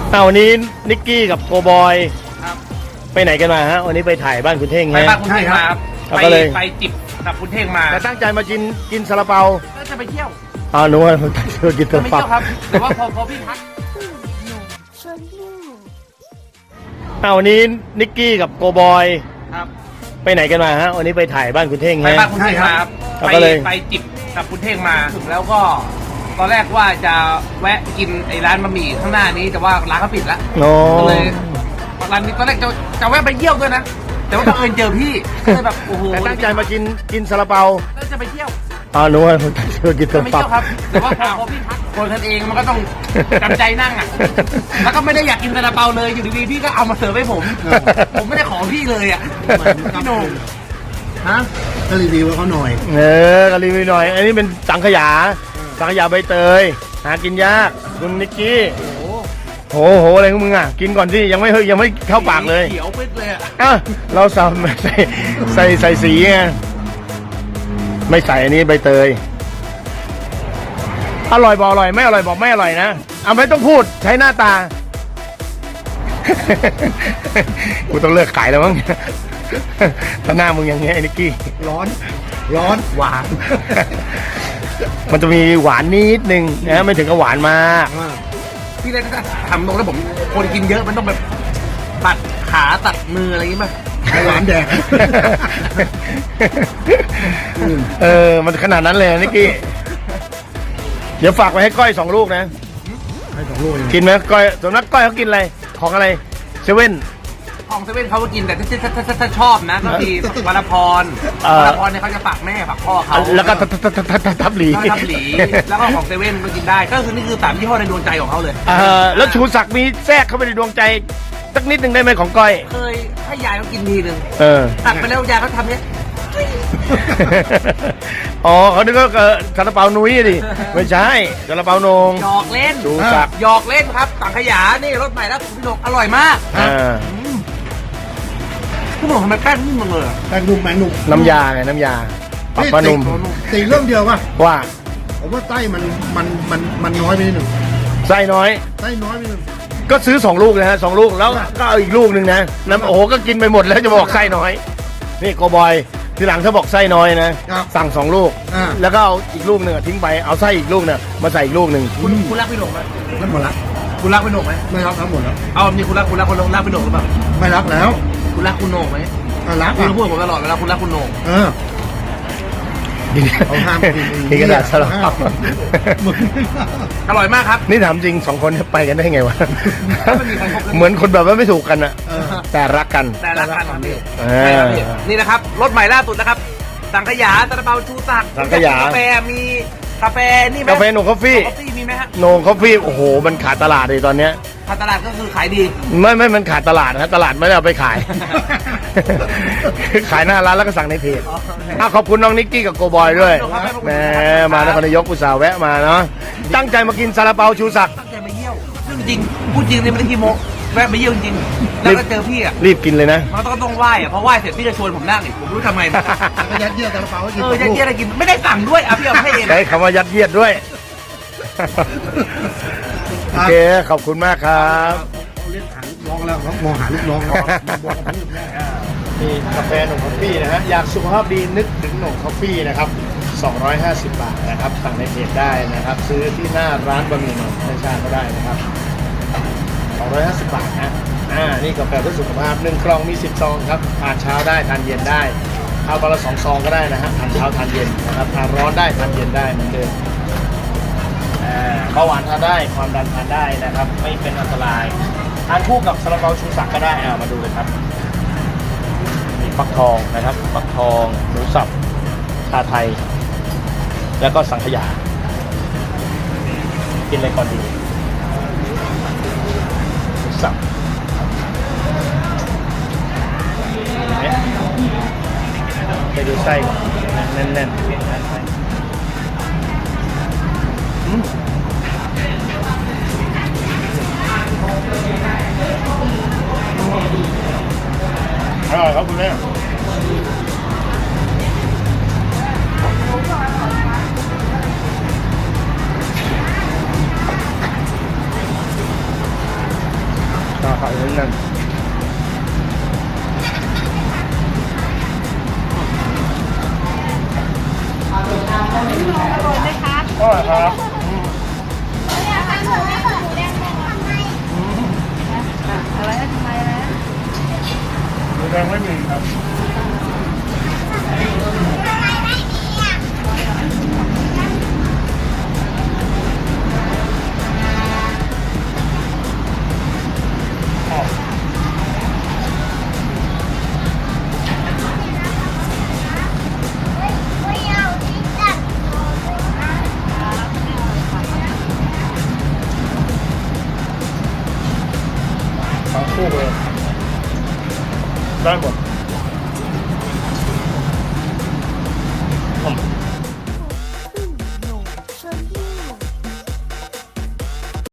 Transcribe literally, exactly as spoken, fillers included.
เอาวันนี้นิกกี้กับโกบอยครับไปไหนกันมาฮะวันนี้ไปถ่ายบ้านคุณเท่งไปฮะบ้านคุณเท่งมาครับครับไปก็เลยไปจิบกับคุณเท่งมาแต่ตั้งใจมากินกินซาลาเปาก็จะไปเที่ยวอ๋อหนูว่าตั้งใจมากินจะซาไปลาเปาเที่ยวครับแต่ว่าพอพอพี่ทักเอาวันนี้นิกกี้กับโกบอยครับไปไหนกันมาฮะวันนี้ไปถ่ายบ้านคุณเท่งไปฮะบ้านคุณเท่งมาครับครับไปก็เลยไปจิบกับคุณเท่งมาแล้วก็ตอนแรกว่าจะแวะกินไอ้ร้านบะหมี่ข้างหน้านี้แต่ว่าร้านเขาปิดแล้วโอ้ก็เลยร้านนี้ตอนแรกจะจะแวะไปเยี่ยวด้วยนะแต่ว่าบังเอิญเจอพี่ก็เลยแบบโอ้โหแต่ตั้งใจมากินกินซาลาเปาแล้วจะไปเที่ยวอ๋อหนูว่าตั้งใจมากินจะซาไม่ลาเปาเที่ยวครับแต่ว่าพอพอพี่ทักคนกันเองมันก็ต้องจำใจนั่งอ่ะแล้วก็ไม่ได้อยากกินซาลาเปาเลยอยู่ดีๆพี่ก็เอามาเสิร์ฟให้ผม ผมไม่ได้ขอพี่เลยอ่ะพี่โหน่งฮะก็รีวิวให้เขาหน่อยเออก็รีวิวหน่อย อันนี้เป็นสังขยาสังขยาใบเตยหากินยากคุณนิกกี้โหโหอะไรของมึงอ่ะกินก่อนที่ยังไม่เฮ้ยยังไม่เข้าปากเลยเขียวปึ๊ดเลยอ่ะอ่ะเราใส่ใส่ใส่ใส่สีไงไม่ใส่อันนี้ใบเตยอร่อยบอกอร่อยไม่อร่อยบอกไม่อร่อยนะเอาไม่ต้องพูดใช้หน้าตา กูต้องเลิกขายแล้วมั้ง ถ้าหน้ามึงอย่างเงี้ยไอ้นิกกี้ร้อน ร้อนหวาน มันจะมีหวานนิดนึงนะไม่ถึงกับหวานมากอ่าพี่เลยจะทำตรงแล้วผมคนกินเยอะมันต้องแบบตัดขาตัดมืออะไรอย่างงี้ป่ะไข่หวานแดงเออมันขนาดนั้นเลยนิกกี้เดี๋ยวฝากไว้ให้ก้อยสองลูกนะให้สองลูกเองกินไหมก้อยส่วนนักก้อยเขากินอะไรของอะไรเซเว่นของเซเว่นเขาก็กินแต่ถ้าถ้าถ้าถ้าถ้าชอบนะก็คือวรรณพรเอ่อวรรณพรเนี่ยเขาจะฝากแม่ฝากพ่อเขาแล้วก็ทับทับทับทับทับทับหลีแล้วก็ทับหลี แล้วก็ของเซเว่นก็กินได้ ก็คือนี่คือสามยี่ห้อในดวงใจของเขาเลยเออแล้วชูศักดิ์มีแทรกเข้าไปในดวงใจสักนิดหนึ่งได้ไหมของก้อยเคยให้ยายเขากินทีหนึ่งเออตักไปแล้วยายเขาทำเนี้ยอ๋อเขานึกว่าเออซาลาเปานุ้ยดิไม่ใช่ซาลาเปาโหนงหยอกเล่นชูศักดิ์หยอกเล่นครับสังขยานี่รสใหม่แล้วของพี่หนกอร่อยมากอ่าพี่หนกทำไมแป้งนิ่มจังเลยอะแป้งนุ่มแป้งนุ่มน้ำยาไงน้ำยาปรับนี่ปะนุ่มติดเรื่องเดียวป่ะว่าผมว่าไส้มันมันมันมันน้อยไปนิดหนึ่งไส้น้อยไส้น้อยไปนิดหนึ่งก็ซื้อสองลูกนะฮะสองลูกแล้วก็เอาอีกลูกหนึ่งนะน้ำโอ้โหก็กินไปหมดแล้วจะบอกไส้น้อยนี่โกบอยทีหลังถ้าบอกไส้น้อยนะสั่งสองลูกอ่าแล้วก็เอาอีกลูกหนึ่งอะทิ้งไปเอาไส้อีกลูกเนี่ยมาใส่อีกลูกหนึ่งคุณคุณรักพี่หนกไหมนั่นหมดละคุณรักพี่หนกไหมไม่รักทั้งหมดแล้วเอามีคุณรักคุณรักคุณรักพี่หนกหรือเปล่าไม่รักแล้วคุณรักคุณโหนกไหมอ่ะรักคุณอ่ะพูดกับผมตลอดเวลาคุณรักคุณโหนกเออ เขาห้ามกินนี่กระดาษสลับห้ามมึงอร่อยมากครับนี่ถามจริงสองคนเนี่ยไปกันได้ไงวะไม่มีใครคบกันเหมือนคนแบบว่าไม่ถูกกันอะเออแต่รักกันแต่ละกันครับพี่เออใช่ครับพี่นี่นะครับรถใหม่ล่าสุดนะครับ สังขยาซาลาเปาชูศักดิ์สังขยากาแฟมีกาแฟนี่ไหมกาแฟโนคอฟฟี่กาแฟมีไหมฮะโนคอฟฟี่โอ้โหมันขาดตลาดเลยตอนเนี้ยทางตลาดก็คือขายดีไม่ไม่มันขาดตลาดนะตลาดไม่ได้เอาไปขาย ขายหน้าร้านแล้วก็สั่งในเพจอ่ะขอบคุณน้องนิกกี้กับโกบอยด้วยแหมมานครนายกอุตส่าห์แวะมาเนาะตั้งใจมากินซาลาเปาชูศักดิ์ตั้งใจมาเยี่ยวเรื่องจริงพูดจริงเลยไม่ได้ขี้โม้แวะมาเยี่ยวจริงแล้วก็เจอพี่อ่ะรีบกินเลยนะมันต้องต้องไหว้อ่ะเพราะไหว้เสร็จพี่จะชวนผมนั่งอีกผมไม่รู้ทำไงนะก็ยัดเยียดซาลาเปาให้กินเออยัดเยียดอะไรกินไม่ได้สั่งด้วยอ่ะพี่เอาให้เองใช้คำว่ายัดเยียดด้วย โอเคขอบคุณมากครับเรียกหาลูกน้องแล้วครับมองหาลูกน้องแล้วบอกกับลูกน้องนี่กาแฟหนุ่มคอฟฟี่นะฮะอยากสุขภาพดีนึกถึงหนุ่มคอฟฟี่นะครับสองร้อยห้าสิบบาทนะครับสั่งในเพจได้นะครับ ซื้อที่หน้าร้านบะหมี่หนุ่มในชาก็ได้นะครับสองร้อยห้าสิบบาทนะอ่านี่กาแฟเพื่อสุขภาพหนึ่งกล่องมีสิบซองครับทานเช้าได้ทานเย็นได้เอาวันละสองซองก็ได้นะฮะทานเช้าทานเย็นนะครับทานร้อนได้ทานเย็นได้เหมือนเดิมอ่าเบาหวานทานได้ความดันทานได้นะครับ ไม่เป็นอันตรายทานคู่กับซาลาเปาชูศักดิ์ก็ได้อ่ามาดูเลยครับ มีฟักทองนะครับฟักทองหมูสับชาไทย แล้วก็สังขยา กินอะไรก่อนดีหมูสับเนี่ยไปดูไส้ก่อนแน่นๆอืมอร่อยครับคุณแม่ชาไข่แน่นๆอร่อยไหมคะอร่อยครับอืมเนี่ยทำหมูไม่เปิดหมูแดงเลยทำไมอะไรทำไมนะหมูแดงไม่มีครับ ทั้งคู่เลยได้หมด